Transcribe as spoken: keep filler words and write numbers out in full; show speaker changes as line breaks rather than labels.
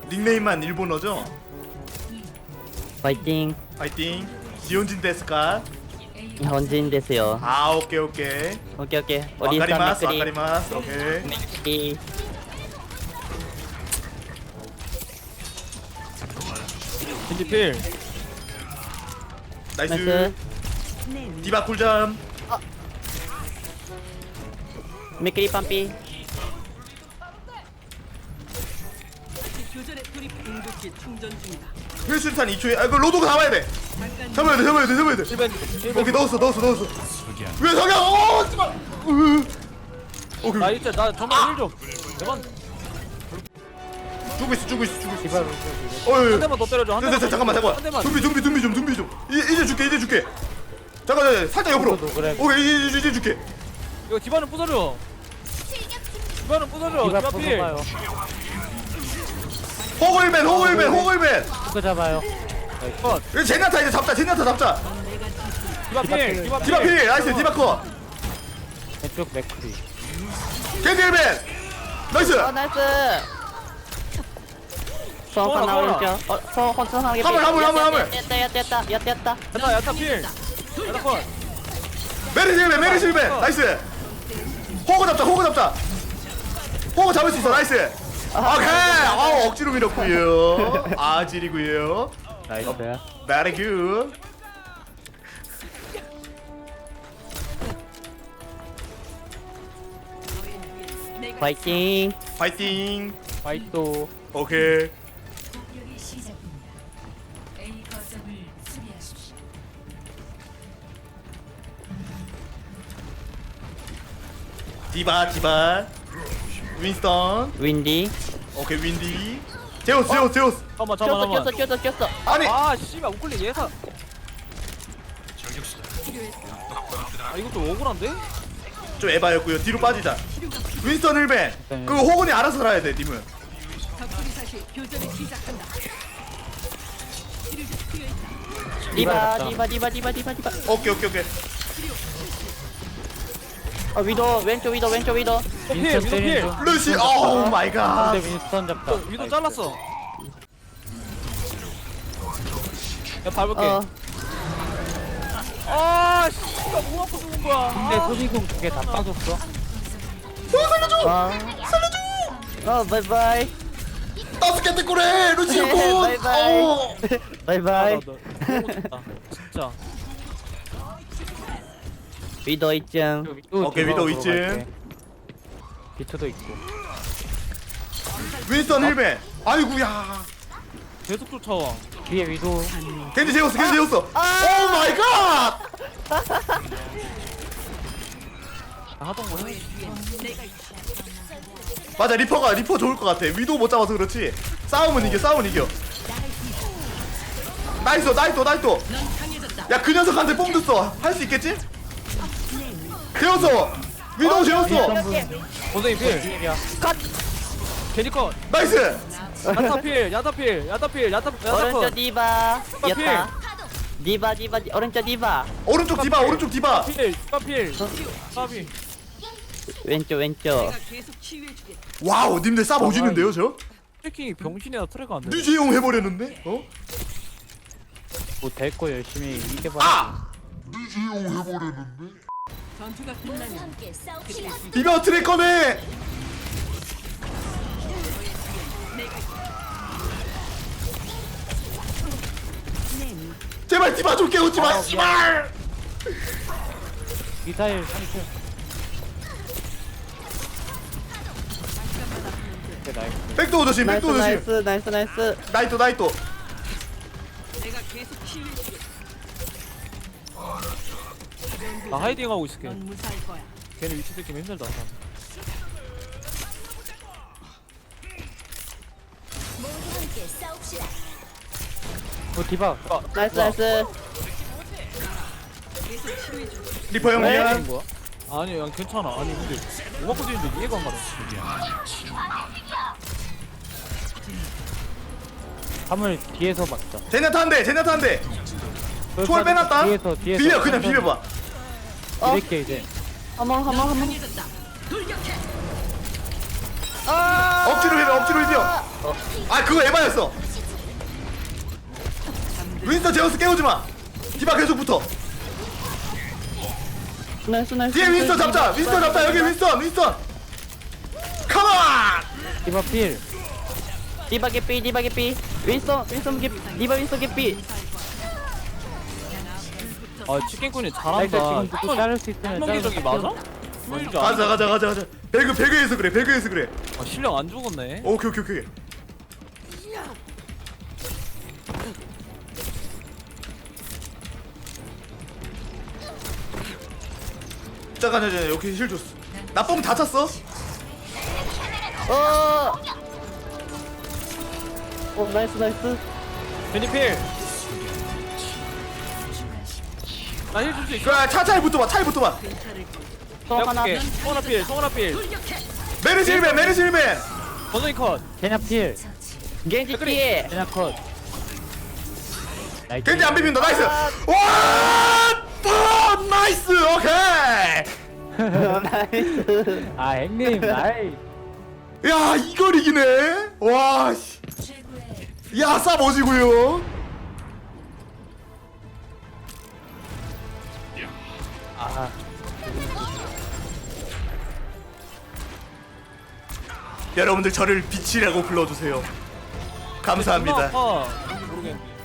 닉네임만 일본어죠?
파이팅.
파이팅. 지온진 데스까?
현진 되세요.
아 오케이 오케이.
오케이 오케이. 우리
와카리마스
맥크리.
와카리마스. 오케이.
맥크리.
겐지필.
나이스.
나이스.
디바 쿨잠.
맥크리 빰삐.
교전에 돌입 공격기 충전 중이다.
힐술탄 이 초에. 아 이거 로도가 잡아야 돼. 잡아야 돼 잡아야 돼 잡아야 돼.
일벤 일벤.
오케이 넣었어 넣었어 넣었어. 왜 석양? 어 씨발. 으. 오케이.
나 이제 나 정말 힐 좀. 대만
죽고 있어 죽고 있어 죽고 있어.
디바.
어이.
한 대만 더 때려줘. 한
됐어
대만.
됐어 잠깐만
한
잠깐만.
대만.
준비 준비 준비 좀 준비 좀. 이, 이제 줄게 이제 줄게. 잠깐 잠깐 살짝 옆으로.
그래.
오케이 이제 이제, 이제 줄게.
이거 디바는 부숴줘. 디바는 부숴줘. 디바 필.
호글맨 호글맨 호글맨.
그거 잡아요.
컷.
이거 제나타 이제 잡자 제나타 잡자.
디바 필. 디바
디바 필 나이스 디바 컷.
왼쪽 맥크리.
겐딜맨 나이스.
어 나이스. 소 하나
쏘라,
오른쪽. 어, 소 혼자 하나.
화물, 화물, 화물, 화물.
됐다 됐다 됐다. 야 됐다.
야타 야타 필. 야타 컷.
메르실맨 메르실맨 나이스. 호그 잡자 호그 잡자. 호그 잡을 수 있어 나이스. 오케이. 아 억지로 밀었고요. 아질이고요.
나이스.
Very good.
파이팅.
파이팅.
파이토.
오케이.
공격이 시작됩니다. A 거점을 수비하십시오.
디바 디바. 윈스턴.
윈디.
오케이 윈디. 제우스 제우스 제우스.
잠깐만
꼈어
잠깐만.
꼈어 꼈어 꼈어.
아니
아 씨발 우클릭 예사. 아 이것도 억울한데?
좀 에바였고요. 뒤로 빠지자. 윈스턴 일벤. 그 호근이 알아서 살아야 돼 님은.
덕분이 사실 교전을 시작한다.
디바 디바 디바 디바 디바 디바.
오케이 오케이 오케이.
어 위도 왼쪽 위도 왼쪽 위도.
필 위도 필.
루시 오 마이 갓.
윈스턴 잡다.
위도 잘랐어. 야 밟을게.
어.
아 씨발 뭐 갖고 죽은 거야.
근데 소지공 두 개 다 빠졌어.
어 살려줘.
살려줘. 어 바이바이.
다섯 개 때꾸래 루시 군.
바이바이.
어.
바이바이.
아, 나, 나 너무 좋다. 진짜.
위도 이쯤.
오케이 위도 이쯤.
비트도 있고.
윈스턴 일벤. 아이구야.
계속 쫓아와.
뒤에 위도.
겐지 제우스 겐지 제우스. 오 마이 갓.
하던 거 해.
맞아 리퍼가 리퍼 좋을 것 같아. 위도 못 잡아서 그렇지. 싸움은 이겨 싸움은 이겨. 나이스 나이스 나이스. 야 그 녀석한테 뽕 줬어. 할 수 있겠지? 재웠어. 위도 재웠어.
고생이 필. 캐리 컷.
나이스.
야타 필. 야타 필. 야타 필. 야타 야타
오른쪽
컷.
디바.
디바
였다. 디바 디바 디- 오른쪽 디바.
오른쪽 디바 오른쪽 디바.
필. 디바 필. 까비.
왼쪽 왼쪽.
계속 치유해주겠다.
와우 님들 쌉 오지는데요 저?
트래킹이 병신이나 트래가 안 돼.
류지용 해버렸는데? 어?
뭐 될 거 열심히 이겨봐.
아!
전투가 끝나면
디바 트래커네. 제발 디바 좀 깨우지 마 씨발.
미사일 삼십.
백도어 조심
나이스
백도어 조심.
나이스 나이스 나이스.
나이토 나이토.
내가 계속 치유해주겠다.
나 하이딩 하고 있을게.
넌 무사할 거야.
걔네 위치 듣기면 힘들다.
오 디바.
아,
나이스 나이스.
계속 치유해줘.
리퍼 형님.
네.
하는 거야? 아니, 난 괜찮아. 아니 근데 뭐 갖고 뛰는데 이해가 안 가네.
화물 뒤에서 막자.
제냐타 한대 제냐타 한대. 초월 빼놨다.
뒤에서 뒤에서.
비벼 그냥 비벼봐.
어? 이렇게 이제. 한번 한번 한번.
강해졌다. 돌격해.
아!
억지로 비벼 억지로 비벼. 아 그거 에바였어. 윈스턴 제우스 깨우지 마. 디바 계속 붙어.
나이스 나이스.
뒤에 윈스턴 잡자. 윈스턴 잡자. 여기 윈스턴 윈스턴. 컴온.
디바 필.
디바 개삐 디바 개삐. 윈스턴 윈스턴 개 디바 윈스턴 개삐.
아 치킨꾼이
나이스
잘한다.
지금 누구 자를 수 있으면
한명기적이 맞아? 보이지 않아?
가자 가자 가자 가자. 배그 배그에서 그래. 배그에서 그래.
아, 실력 안 죽었네.
오케이 오케이 오케이. 잠깐 잠깐 여기 힐 줬어. 나 뽕 다 찼어.
어. 어 나이스 나이스.
베니필. 나힐 줄 수 있어?
그래 차차에 붙어봐. 차에 붙어봐.
또 하나.
내가 송하나 필, 송하나 필.
메르시 힐맨 메르시 힐맨.
버전이 컷.
제냐 필.
겐지 피해.
제냐 컷. 나이스.
겐지 안 비빈다. 나이스. 와! 또 나이스. 오케이.
나이스.
아 형님 나이.
야 이걸 이기네. 와 씨. 야 싸보지고요.
아
여러분들 저를 빛이라고 불러주세요. 감사합니다.
아, 모르겠네.